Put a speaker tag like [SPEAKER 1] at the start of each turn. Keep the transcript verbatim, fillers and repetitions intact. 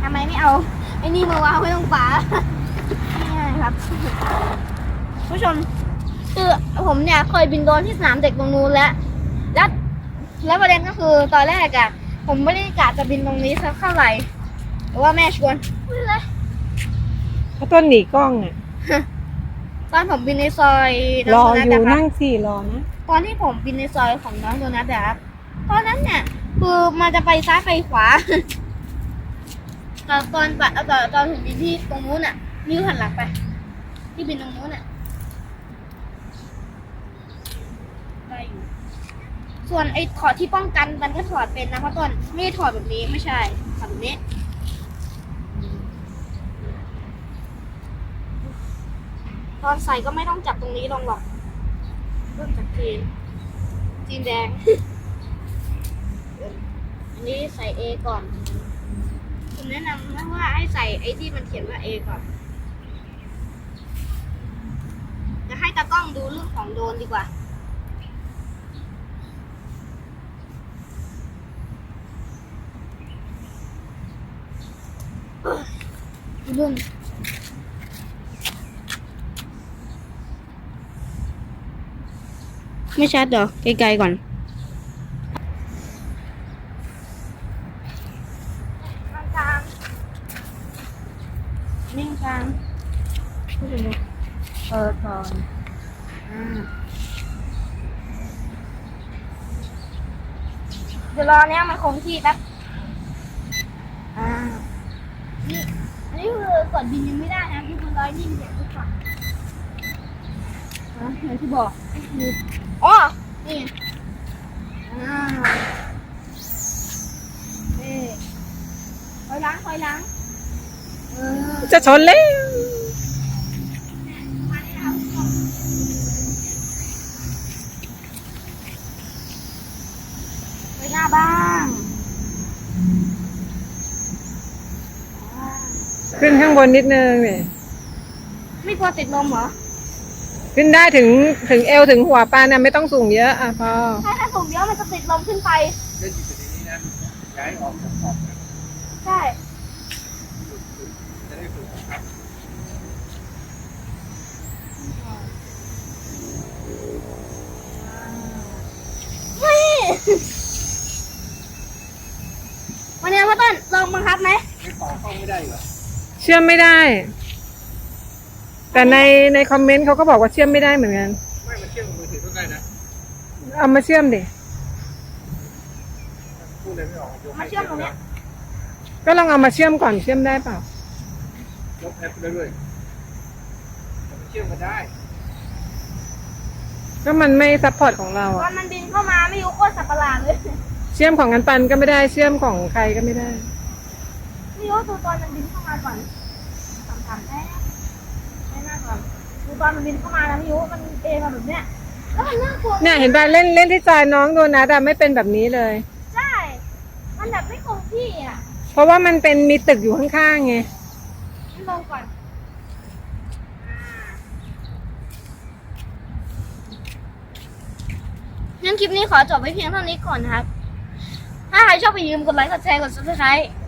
[SPEAKER 1] ทำไมไม่เอาไอ้นี่มาวางไว้ตรงฝานี่ครับผู้ชมคือผมเนี่ยเคยบินโดรนที่สนามเด็กตรงนู้นแล้วแล้วแล้วประเด็นก็คือตอนแรกอะผมไม่ได้กะจะบินตรงนี้สักเท่าไหร่แต่ว่าแม่ชวนไม่เลย
[SPEAKER 2] ถ้าต้นหนีกล้องอ่ะ
[SPEAKER 1] ตอนผมบินในซอย
[SPEAKER 2] รอ
[SPEAKER 1] โด
[SPEAKER 2] อ
[SPEAKER 1] นัท
[SPEAKER 2] ยู่
[SPEAKER 1] นะครับ
[SPEAKER 2] นั่งสี่รอนะ
[SPEAKER 1] ตอนที่ผมบินในซอยของน้องโดนัทอะครับตอนนั้นเนี่ยคือมันจะไปซ้ายไปขวา ตอนตอนตอนตอนถึงบินที่ตรงนู้นอ่ะนิ้วหันหลังไปที่บินตรงนู้นอ่ะได้อยู่ส่วนไอ้ถอดที่ป้องกันมันก็ถอดเป็นนะเพราะตอนไม่ได้ถอดแบบนี้ไม่ใช่ถอดแบบนี้ตอนใส่ก็ไม่ต้องจับตรงนี้ลงหรอกเริ่มจากจีนจีนแดง อันนี้ใส่ A ก่อนผมแนะนำนะว่าให้ใส่ไอ้ที่มันเขียนว่า A ก่อนจะให้ตากล้องดูเรื่องของโดรนดีกว่าดูเรื่องไม่ชัดเหรอไกลๆก่อนกลางๆนิ่งกลางพูดดูเปิดก่อนอ่าเดี๋ยวรอเนี้ยมันคงที่แป๊บอ่านี่อันนี้คือกดบินยังไม่ได้นะคือมันลอยนิ่งเดี๋ยวทุกฝั่งอ่าอย่างที่บอกคืออ๋อนี่อ่าเอ๊ะถอยหล้างถอยหล้างเออ
[SPEAKER 2] จะชนเลย
[SPEAKER 1] ไปหน้าบ้าง
[SPEAKER 2] ขึ้นข้างบนนิดนึงเนี่ย
[SPEAKER 1] ไม่กลัวติดลมเหรอ
[SPEAKER 2] ขึ้นได้ถึงถึงเอวถึงหัวปลานะไม่ต้องสูงเยอะอ่ะพอ
[SPEAKER 1] ถ้าถ้าสูงเยอะมันจะติดลมขึ้นไป
[SPEAKER 3] เล่นอยู่ในนี้นะย้ายออกจากขอบนะ
[SPEAKER 1] ใช่
[SPEAKER 3] จะได้ฝึกครับ
[SPEAKER 1] เฮ้ยวันนี้พ่อต้นลองบังคับไหม
[SPEAKER 3] ไม่ต่อเข้าไม่ได้เหรอ
[SPEAKER 2] เชื่อมไม่ได้ แต่ในในคอมเมนต์เขาก็บอกว่าเชื่อมไม่ได้เหมือนกัน
[SPEAKER 3] ไม่มันเชื่อมกับมือถือก็ได้นะ
[SPEAKER 2] เอามาเชื่อมดิ
[SPEAKER 3] พูดเลยไม่ออกยก
[SPEAKER 1] มาเชื่อมตรงเนี้ย
[SPEAKER 2] ก็ลองเอามาเชื่อมก่อนเชื่อมได้เปล่าย
[SPEAKER 3] กแอปไปเรื่อยๆมันเชื่อมกันได้
[SPEAKER 2] ก็มันไม่ซัพพอร์ตของเรา
[SPEAKER 1] ตอ
[SPEAKER 2] อะ
[SPEAKER 1] นมันบินเข้ามาไม่รู้โคตรสับประหลาดเลย
[SPEAKER 2] เชื่อมของกันปันก็ไม่ได้เชื่อมของใครก็ไม่ได้
[SPEAKER 1] ไม่รู้ดูตอนมันบินเข้ามาก่อนสามสามแค่แค่หน้าก่อนดูตอนมันบินเข้ามาแล้วไม่รู้มันเอมาแบบเนี้ยแล้วมันน่ากลัว
[SPEAKER 2] เนี่ยเห็นป่ะเล่นเล่นที่จอยน้องโดนัทอะไม่เป็นแบบนี้เลย
[SPEAKER 1] ใช่มันแบบไม่คงที่อ่ะ
[SPEAKER 2] เพราะว่ามันเป็นมีตึกอยู่ข้างๆไง
[SPEAKER 1] งั้นลงก่อนงั้นคลิปนี้ขอจบไว้เพียงเท่านี้ก่อนนะครับ ถ้าใครชอบอย่าลืมกดไลค์ กดแชร์ กด ซับสไครบ์